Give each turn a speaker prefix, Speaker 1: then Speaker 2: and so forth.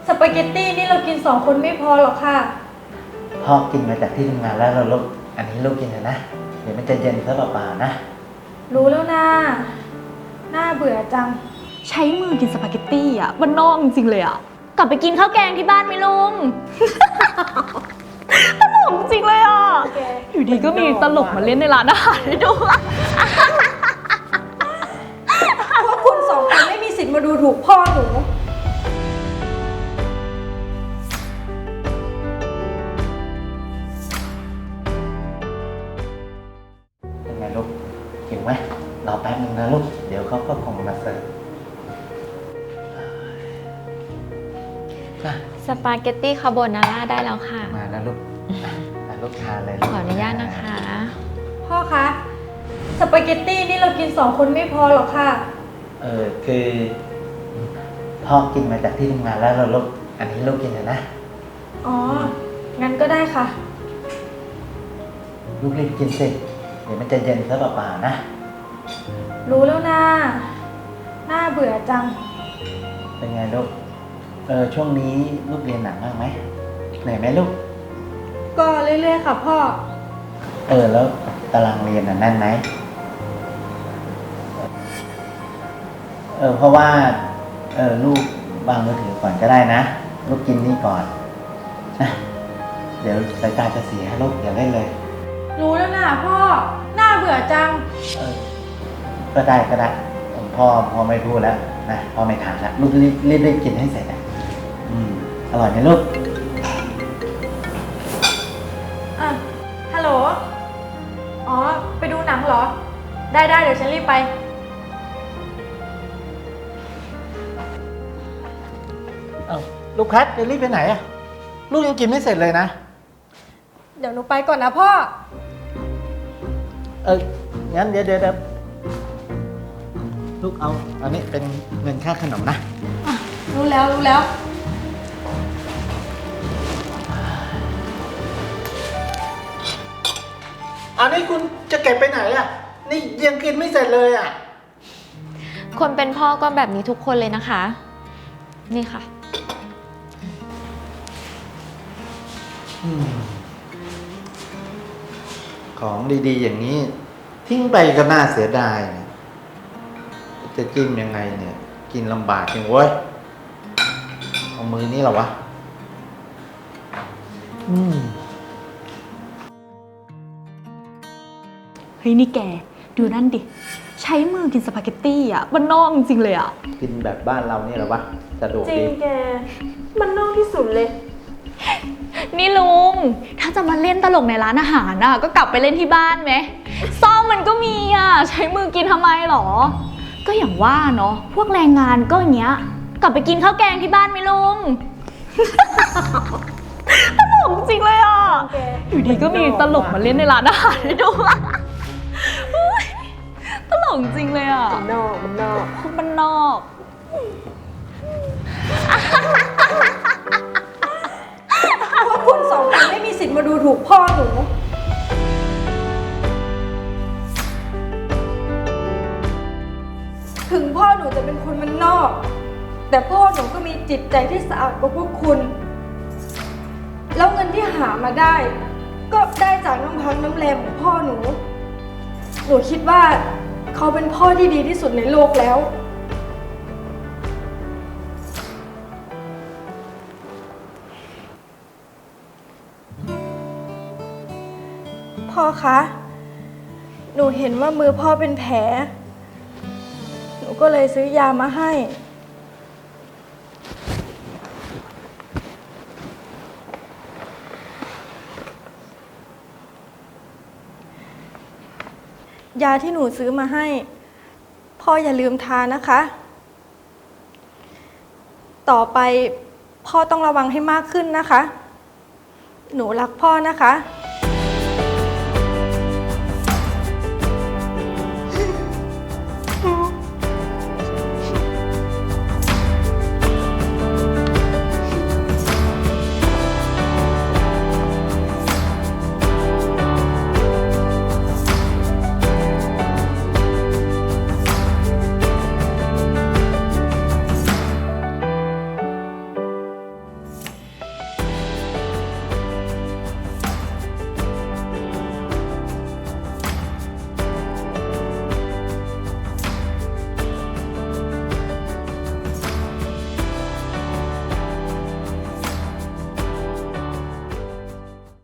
Speaker 1: สปาเกตตี้นี่เรากิน2 คนไม่พอหรอกค่ะ
Speaker 2: พ่อกินมาจากที่ทำงานแล้วเราลูกอันนี้ลูกกินเถอะนะเดี๋ยวมันจะเย็นซะเปล่าๆนะ
Speaker 1: รู้แล้วนะน่าเบื่อจัง
Speaker 3: ใช้มือกินสปาเกตตี้อ่ะมันนอกจริงๆเลยอ่ะกลับไปกินข้าวแกงที่บ้านไหมลุง ตลกจริงเลยอ่ะอยู่ดีก็มีตลกมาเล่นในร้านอาหารให้ดู
Speaker 1: พวกคุณ2 คนไม่มีสิทธิ์มาดูถูกพ่อหนู
Speaker 2: เป็นไงลูกหิวไหมรอแป๊บนึงนะลูกเดี๋ยวเขาก็คงมาเสิร์ฟอ่ะ
Speaker 4: สปาเกตตี้คาโบนาร่าได้แล้วค่ะ
Speaker 2: มาแล้วลูกลูกทานเลย
Speaker 4: ขออนุญาตนะคะ
Speaker 1: พ่อคะสปาเกตตี้นี่เรากิน2 คนไม่พอหรอกค่ะ
Speaker 2: คือพ่อกินมาจากที่ทำงานแล้วเราลูกอันนี้ลูกกินเถอะนะ
Speaker 1: อ๋อ งั้นก็ได้ค่ะ
Speaker 2: ลูกรีบกินสิเดี๋ยวมันจะเย็นซะเปล่าๆนะ
Speaker 1: รู้แล้วนะน่าเบื่อจัง
Speaker 2: เป็นไงลูกช่วงนี้ลูกเรียนหนักมากไหมเหนื่อยไหมลูก
Speaker 1: ก็เรื่อยๆค่ะพ่อ
Speaker 2: แล้วตารางเรียนแน่นไหมเพราะว่าลูกวางมือถือก่อนก็ได้นะลูกกินนี่ก่อนนะเดี๋ยวสายตาจะเสียลูกอย่าเล่นเลย
Speaker 1: รู้แล้วนะพ่อน่าเบื่อจัง
Speaker 2: ก็ได้พ่อไม่พูดแล้วนะพ่อไม่ถามแล้วลูกรีบกินให้เสร็จนะอร่อยไหมลูก
Speaker 1: ฮัลโหล อ๋อ ไปดูหนังเหรอ ได้เดี๋ยวฉันรีบไป
Speaker 2: ลูกแพทจะรีบไปไหนอะลูกยังกินไม่เสร็จเลยนะ
Speaker 1: เดี๋ยวหนูไปก่อนนะพ่อ
Speaker 2: งั้นเดี๋ยวลูกเอาอันนี้เป็นเงินค่าขนมนะ
Speaker 1: รู้แล้ว
Speaker 2: อันนี้คุณจะเก็บไปไหนอะนี่ยังกินไม่เสร็จเลยอะ
Speaker 4: คนเป็นพ่อก็แบบนี้ทุกคนเลยนะคะ นี่ค่ะ
Speaker 2: ของดีๆอย่างนี้ทิ้งไปก็น่าเสียดายนะจะจิ้มยังไงเนี่ย กินลำบากจริงเว้ยเอามือนี้เหรอวะ
Speaker 3: เฮ้ยนี่แกดูนั่นดิใช้มือกินสปาเกตตี้อ่ะมันนอกจริงๆเลยอ่ะ
Speaker 2: กินแบบบ้านเรานี่เหรอวะสะดวก
Speaker 1: จริ
Speaker 2: ดี
Speaker 1: งแก มันนอกที่สุดเลย
Speaker 3: นี่ลุงถ้าจะมาเล่นตลกในร้านอาหารน่ะก็กลับไปเล่นที่บ้านไหมซ่อมมันก็มีอ่ะใช้มือกินทำไมหรอ ก็อย่างว่าเนาะพวกแรงงานก็อย่างเงี้ยกลับไปกินข้าวแกงที่บ้านไหมลุง ตลกจริงเลยอ่ะอยู่ดีก็มีตลกมาเล่นในร้านอาหารให้ดูอุ๊ยตลกจริงเลยอ่ะมันนอก
Speaker 1: พวกคุณ2 คนไม่มีสิทธิ์มาดูถูกพ่อหนู ถึงพ่อหนูจะเป็นคนมันนอก แต่พ่อหนูก็มีจิตใจที่สะอาดกว่าพวกคุณ แล้วเงินที่หามาได้ ก็ได้จากน้ำพักน้ำแรงของพ่อหนู หนูคิดว่าเขาเป็นพ่อที่ดีที่สุดในโลกแล้ว พ่อคะ หนูเห็นว่ามือพ่อเป็นแผล หนูก็เลยซื้อยามาให้ ยาที่หนูซื้อมาให้ พ่ออย่าลืมทานนะคะ ต่อไปพ่อต้องระวังให้มากขึ้นนะคะ หนูรักพ่อนะคะ